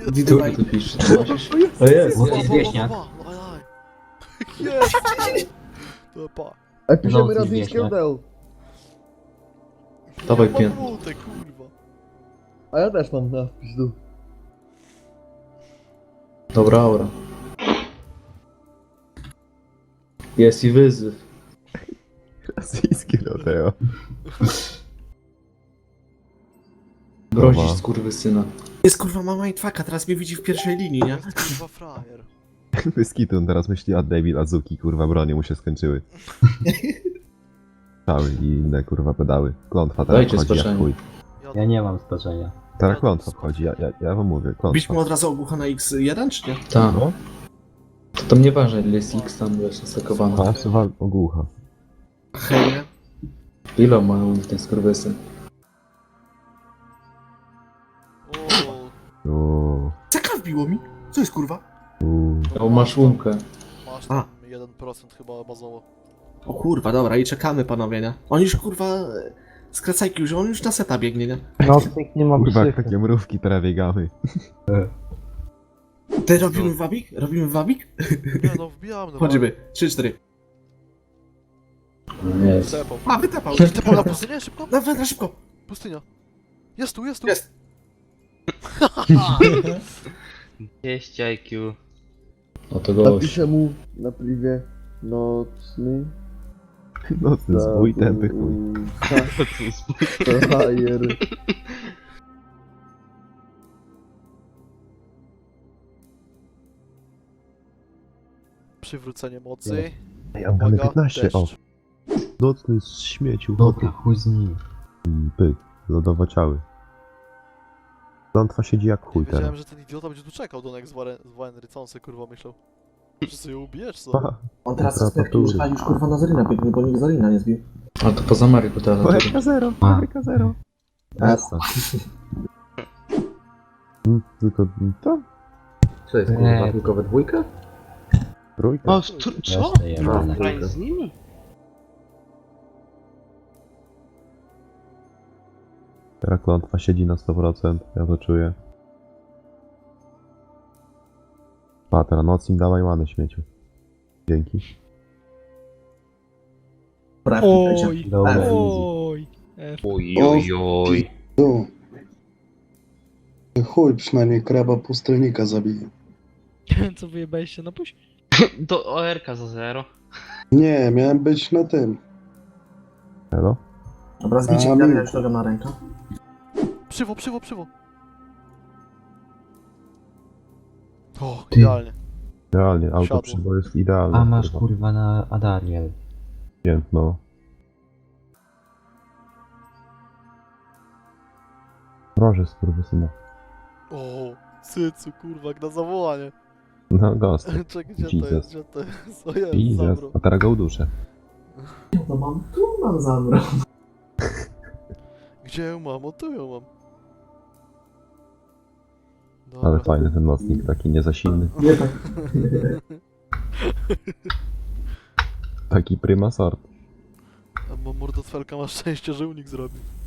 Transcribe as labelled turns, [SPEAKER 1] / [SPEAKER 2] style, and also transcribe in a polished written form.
[SPEAKER 1] Który tu pisze? O jest!
[SPEAKER 2] Jest wieśniak.
[SPEAKER 3] Jest! To pa.
[SPEAKER 4] A piszemy
[SPEAKER 2] Nocy
[SPEAKER 4] rosyjski
[SPEAKER 2] wieśniak.
[SPEAKER 4] model.
[SPEAKER 1] Dawaj
[SPEAKER 3] Ja mam
[SPEAKER 1] piętno.
[SPEAKER 3] nutę, kurwa.
[SPEAKER 4] A ja też mam na pizdu.
[SPEAKER 1] Dobra aura. Jest i wyzyw.
[SPEAKER 5] Rosyjskie rodeo.
[SPEAKER 1] Grozisz
[SPEAKER 5] Dobra.
[SPEAKER 1] skurwysyna.
[SPEAKER 6] Jest kurwa mama i twaka, teraz mnie widzi w pierwszej linii, nie?
[SPEAKER 3] Jest kurwa frajer.
[SPEAKER 5] Wyskitu, on teraz myśli, a David Azuki, kurwa, bronie mu się skończyły. Cały i inne, kurwa, pedały. Klątwa teraz
[SPEAKER 1] Dajcie
[SPEAKER 5] wchodzi jak
[SPEAKER 1] spaczenie.
[SPEAKER 5] chuj.
[SPEAKER 2] Ja nie mam spaczenia.
[SPEAKER 5] Teraz klątwa wchodzi, ja wam mówię,
[SPEAKER 6] Bić
[SPEAKER 5] klątwa.
[SPEAKER 6] mu od razu obucha na X1, czy nie?
[SPEAKER 1] Tak. To tam nieważne ile jest X tam właśnie stakowane.
[SPEAKER 5] Patrz, wal ogłucha.
[SPEAKER 6] Hej,
[SPEAKER 1] Ile mają ten skurwysyn?
[SPEAKER 3] O,
[SPEAKER 5] Uuu,
[SPEAKER 6] Ceka wbiło mi? Co jest kurwa?
[SPEAKER 1] O, masz łumkę.
[SPEAKER 3] masz
[SPEAKER 6] A.
[SPEAKER 3] tam 1% chyba bazowo.
[SPEAKER 6] O kurwa, dobra, i czekamy panowie, nie? On już kurwa... Skracajki już, on już na seta biegnie, nie?
[SPEAKER 7] Nocnik nie ma
[SPEAKER 5] kurwa, jak
[SPEAKER 7] psychy.
[SPEAKER 5] takie mrówki teraz biegamy.
[SPEAKER 6] Ty robimy wabik? Robimy wabik?
[SPEAKER 3] Nie no, wbijamy.
[SPEAKER 6] Chodzimy, 3-4.
[SPEAKER 1] Jest.
[SPEAKER 3] Cepał.
[SPEAKER 6] A, wytapał!
[SPEAKER 3] Cepał na pustynię, szybko?
[SPEAKER 6] Dobra, szybko!
[SPEAKER 3] Pustynia. Jest tu, jest tu.
[SPEAKER 6] Jest!
[SPEAKER 8] 200 IQ.
[SPEAKER 1] O to gość.
[SPEAKER 4] Napiszę mu na privie nocny.
[SPEAKER 5] No, ten zbój tępy chuj.
[SPEAKER 4] Frajer.
[SPEAKER 3] Przywrócenie mocy.
[SPEAKER 5] Ej, a mamy
[SPEAKER 3] Uwaga,
[SPEAKER 5] 15, o.
[SPEAKER 3] deszcz.
[SPEAKER 5] Nocny z śmieciu,
[SPEAKER 2] Dobra, chuj z nim.
[SPEAKER 5] pyk, lodowociały. Klątwa siedzi jak chuj
[SPEAKER 3] Wiedziałem,
[SPEAKER 5] teraz.
[SPEAKER 3] że ten idiota będzie tu czekał do Next Wine Rycący, kurwa, myślał. Że sobie ubijesz, co?
[SPEAKER 5] Aha,
[SPEAKER 6] On teraz
[SPEAKER 5] Dobra,
[SPEAKER 6] aspektu
[SPEAKER 5] powtórzy.
[SPEAKER 6] używa już kurwa na Zarina biegnie, bo nikt Zarina nie zbił.
[SPEAKER 1] A to poza Maryku teraz.
[SPEAKER 5] Ameryka zero,
[SPEAKER 2] A.
[SPEAKER 5] Ameryka zero. Jasne. Tylko to?
[SPEAKER 7] Co jest kurwa, tylko we dwójkę?
[SPEAKER 5] Trójka.
[SPEAKER 8] O, co?
[SPEAKER 2] Jeszcze jebane.
[SPEAKER 8] Fajnie z nimi?
[SPEAKER 5] Teraz klątwa siedzi na 100%, ja to czuję. Patera, nocnik dawaj manę śmieciu. Dzięki.
[SPEAKER 6] Oj,
[SPEAKER 2] Dobra, easy.
[SPEAKER 8] Ojojoj.
[SPEAKER 9] Tu. Chuj, przynajmniej kraba pustelnika zabije.
[SPEAKER 10] Co wyjebałeś się na puś?
[SPEAKER 8] Do ORK za 0.
[SPEAKER 9] Nie, miałem być na tym.
[SPEAKER 5] Elo?
[SPEAKER 6] Dobra, zbicie
[SPEAKER 9] A,
[SPEAKER 6] gwiazdę,
[SPEAKER 9] mi-
[SPEAKER 6] już tego na rękę.
[SPEAKER 3] Przywo, przywo, przywo. O,
[SPEAKER 2] Ty.
[SPEAKER 3] idealnie.
[SPEAKER 5] Idealnie, auto
[SPEAKER 3] Siadło.
[SPEAKER 5] przybo jest idealne.
[SPEAKER 2] A masz kurwa na Adariel.
[SPEAKER 5] Piętno. Proszę skurwysyna.
[SPEAKER 3] O, cycu, kurwa, jak na zawołanie.
[SPEAKER 5] No, ghost.
[SPEAKER 3] Czekaj, gdzie to jest,
[SPEAKER 5] Jesus.
[SPEAKER 3] gdzie to jest? O jest,
[SPEAKER 5] Jesus.
[SPEAKER 3] zabrał.
[SPEAKER 5] A teraz go uduszę.
[SPEAKER 6] No mam, tu mam zabrał.
[SPEAKER 3] Gdzie ją mam? O, tu ją mam. Dobra.
[SPEAKER 5] Ale fajny ten nocnik, taki nie za silny.
[SPEAKER 6] Nie tak.
[SPEAKER 5] Taki prima sort.
[SPEAKER 3] A mordotwelka ma szczęście, że unik zrobił.